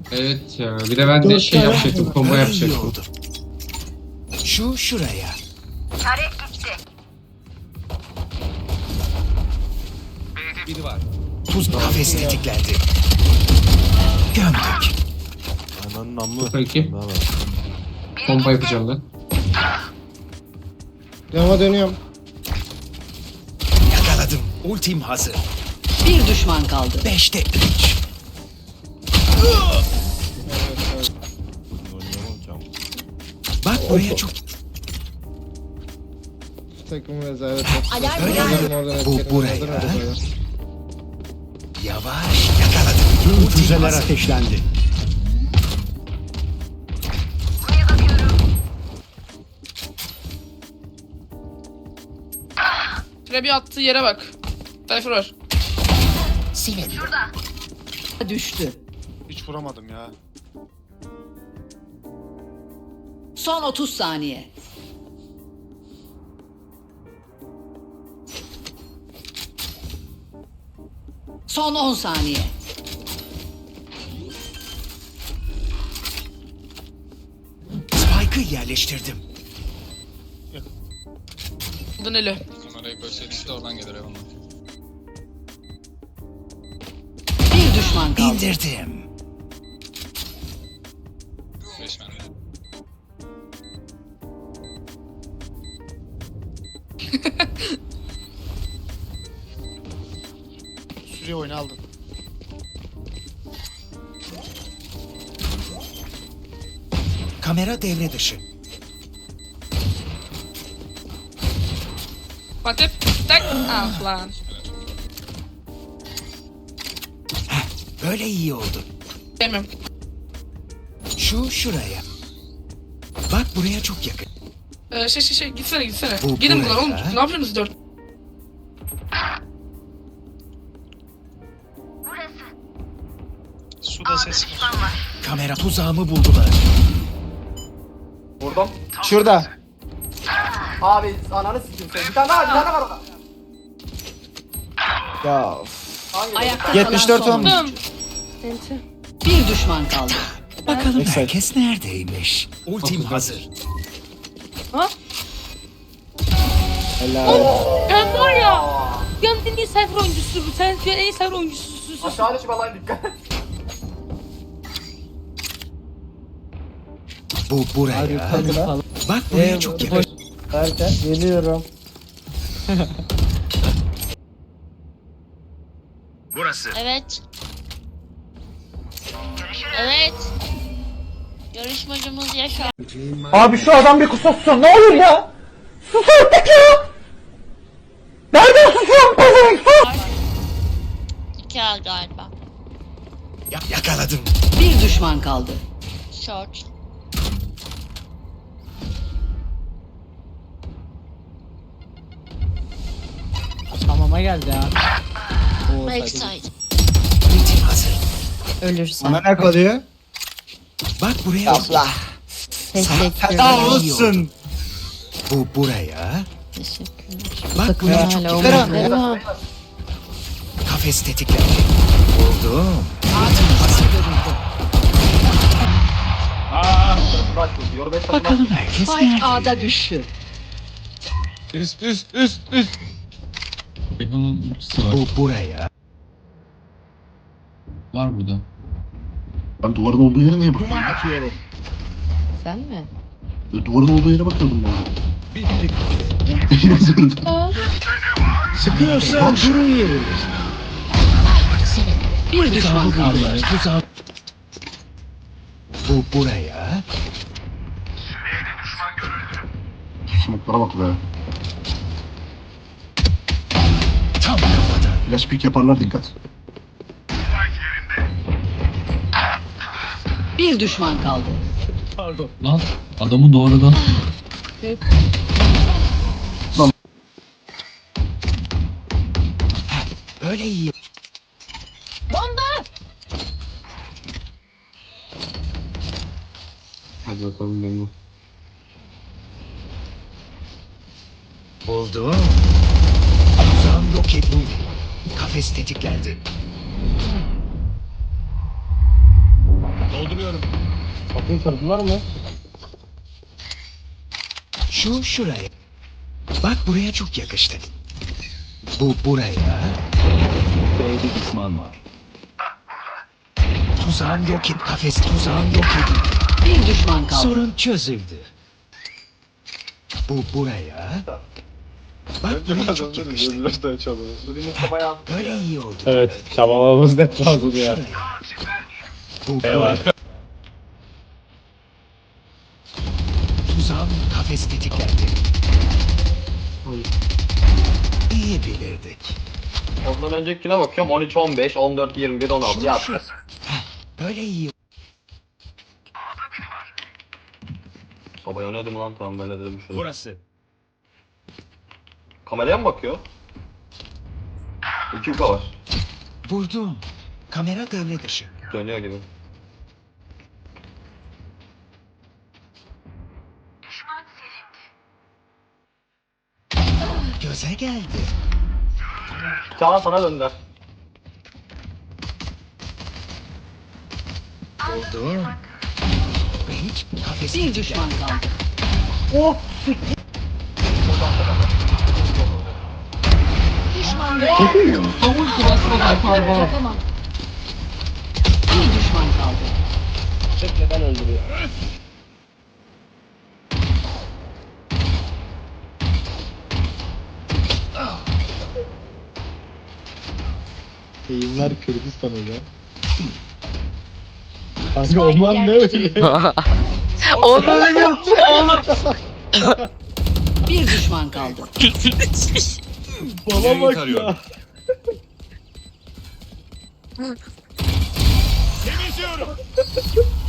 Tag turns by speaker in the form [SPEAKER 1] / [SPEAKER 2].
[SPEAKER 1] Evet ya. Bir de ben de
[SPEAKER 2] Dört
[SPEAKER 1] şey
[SPEAKER 2] tane
[SPEAKER 1] yapacaktım. Combo
[SPEAKER 3] Böyle iyi
[SPEAKER 1] yapacaktım.
[SPEAKER 3] oldu. Şu şuraya.
[SPEAKER 4] Biri var.
[SPEAKER 3] Tuz kafes tetiklendi. Gömdük.
[SPEAKER 5] Ananın namlu.
[SPEAKER 1] Çok iyi.
[SPEAKER 5] Daha var.
[SPEAKER 1] Combo yapacağım ben.
[SPEAKER 2] Cama dönüyorum.
[SPEAKER 3] Yakaladım. Ultim hazır.
[SPEAKER 6] Bir düşman kaldı.
[SPEAKER 3] 5'te 3.
[SPEAKER 5] Oynayamam cam.
[SPEAKER 3] Bak buraya çok...
[SPEAKER 2] Takım rezalet.
[SPEAKER 7] Alarm
[SPEAKER 3] Öyle
[SPEAKER 7] yani.
[SPEAKER 3] mi?
[SPEAKER 2] Oradan
[SPEAKER 3] Bu
[SPEAKER 2] etkelim,
[SPEAKER 3] buraya.
[SPEAKER 2] oradan oraya.
[SPEAKER 3] Yavaş yakaladım.
[SPEAKER 8] Tüm
[SPEAKER 3] Ultim
[SPEAKER 8] füzeler
[SPEAKER 3] hazır.
[SPEAKER 8] ateşlendi.
[SPEAKER 9] Trebi attığı yere bak. Cypher var.
[SPEAKER 3] Silindi.
[SPEAKER 6] Düştü.
[SPEAKER 4] Hiç vuramadım ya.
[SPEAKER 6] Son 30 saniye. Son 10 saniye.
[SPEAKER 3] Spike'ı yerleştirdim.
[SPEAKER 9] Aldın eli.
[SPEAKER 4] Kamerayı koysaydı işte oradan gelir eyvallah.
[SPEAKER 6] Bir düşman kaldı.
[SPEAKER 3] İndirdim.
[SPEAKER 4] 5 bende. Sürüyor oyunu aldın.
[SPEAKER 3] Kamera devre dışı.
[SPEAKER 9] Fatih. Tak. Ah lan.
[SPEAKER 3] Böyle iyi oldu.
[SPEAKER 9] Demiyorum.
[SPEAKER 3] Şu şuraya. Bak buraya çok yakın.
[SPEAKER 9] Gitsene.
[SPEAKER 3] Bu
[SPEAKER 9] Gidin buradan oğlum.
[SPEAKER 3] buraya.
[SPEAKER 9] Ne yapıyorsunuz dört?
[SPEAKER 4] Suda ses var.
[SPEAKER 3] Kamera tuzağımı buldular.
[SPEAKER 10] Vurdum.
[SPEAKER 2] Şurada.
[SPEAKER 10] Abi ananı sikeyim seni. Bir tane daha var orada.
[SPEAKER 2] Ya
[SPEAKER 10] Hangi?
[SPEAKER 6] Ayakta
[SPEAKER 2] 74
[SPEAKER 6] kalan son
[SPEAKER 2] olmuş.
[SPEAKER 6] oyuncu. Bir düşman kaldı.
[SPEAKER 3] Bakalım
[SPEAKER 2] Neyse.
[SPEAKER 3] herkes neredeymiş? Ultim hazır.
[SPEAKER 2] helal.
[SPEAKER 7] Ben var ya. Dünyanın en iyi cypher oyuncusu. Sen dünyanın en iyi cypher oyuncususun.
[SPEAKER 10] Aşağıya şu balayı dikkat.
[SPEAKER 3] Bu buraya. Bak buraya çok yakın.
[SPEAKER 2] Derken geliyorum.
[SPEAKER 3] Burası.
[SPEAKER 7] Evet. Evet. Yarışmacımız Yaşar.
[SPEAKER 2] Abi şu adam bir kusursun ne olur ya. Sus artık ya. Nereden susuyorsun pezevenk sus.
[SPEAKER 7] 2 al galiba.
[SPEAKER 3] Yakaladım.
[SPEAKER 6] Bir düşman kaldı.
[SPEAKER 7] Short.
[SPEAKER 10] Hamama geldi ha.
[SPEAKER 7] Backside.
[SPEAKER 3] Ultim hazır.
[SPEAKER 6] Ölürsen.
[SPEAKER 2] Bana ne kalıyor?
[SPEAKER 3] Bak buraya.
[SPEAKER 2] Abla.
[SPEAKER 3] Feda olsun. Bu buraya.
[SPEAKER 7] Teşekkürler.
[SPEAKER 3] Bak buraya çok yakın. Kafes tetiklendi. Buldum. Bakalım herkes
[SPEAKER 6] Spike
[SPEAKER 3] nerede?
[SPEAKER 6] A'da düştü.
[SPEAKER 4] Üst.
[SPEAKER 1] Bunun ultisi var.
[SPEAKER 3] Bu buraya.
[SPEAKER 1] Var burada.
[SPEAKER 11] Ben duvarın olduğu yere niye bakıyorum?
[SPEAKER 6] Sen mi?
[SPEAKER 11] Duvarın olduğu yere bakıyordum ben.
[SPEAKER 8] Sıkıyorsan durun yerinde.
[SPEAKER 6] Bir düşman kaldı.
[SPEAKER 3] Bu buraya.
[SPEAKER 11] Smoke'lara bak be.
[SPEAKER 3] Tam kafadan.
[SPEAKER 11] Flash pick yaparlar dikkat.
[SPEAKER 6] Bir düşman kaldı.
[SPEAKER 1] Lan adamı doğrudan.
[SPEAKER 3] Böyle iyi.
[SPEAKER 1] Hadi bakalım benim.
[SPEAKER 3] Buldum. Uzağım yok edildi. Kafes tetiklendi.
[SPEAKER 2] Kapıyı kırdılar mı?
[SPEAKER 8] Şu şuraya. Bak buraya çok yakıştı. Bu buraya. B'de düşman var. Tuzağım yok et. Kafes tuzağım yok edin.
[SPEAKER 6] Bir düşman kaldı.
[SPEAKER 8] Sorun çözüldü. Bu buraya. Bak buraya çok yakıştı.
[SPEAKER 10] Bu Mustafa yaz.
[SPEAKER 8] Böyle iyi oldu.
[SPEAKER 2] Evet, çabalamamız net lazım ya.
[SPEAKER 8] Şuraya. Bu buraya. Tuzağım kafes tetiklendi. İyi bilirdik.
[SPEAKER 10] Ondan öncekine bakıyorum 13, 15, 14, 21, 16
[SPEAKER 8] Şu,
[SPEAKER 10] yap.
[SPEAKER 8] şu. Heh, böyle iyi.
[SPEAKER 10] Baba oynadım lan tamam böyle dedim şunu.
[SPEAKER 8] Burası.
[SPEAKER 10] Kameraya mı bakıyor? 2K var.
[SPEAKER 8] Vurdum. Kamera devre dışı.
[SPEAKER 10] Dönüyor gibi.
[SPEAKER 8] Göze geldi.
[SPEAKER 10] Çağan sana döndüler.
[SPEAKER 8] Oldu. Ve hiç kafes
[SPEAKER 6] Bir
[SPEAKER 8] tetiklendi.
[SPEAKER 6] düşman kaldı. Düşman görüldü. Yapamam. Bir düşman kaldı.
[SPEAKER 2] Bekleden öldürüyor. Eğimler Kürdistan hocam. Kanka onlar ne öyle?
[SPEAKER 6] Bir düşman kaldı.
[SPEAKER 2] Bana bak ya.
[SPEAKER 5] Temizliyorum.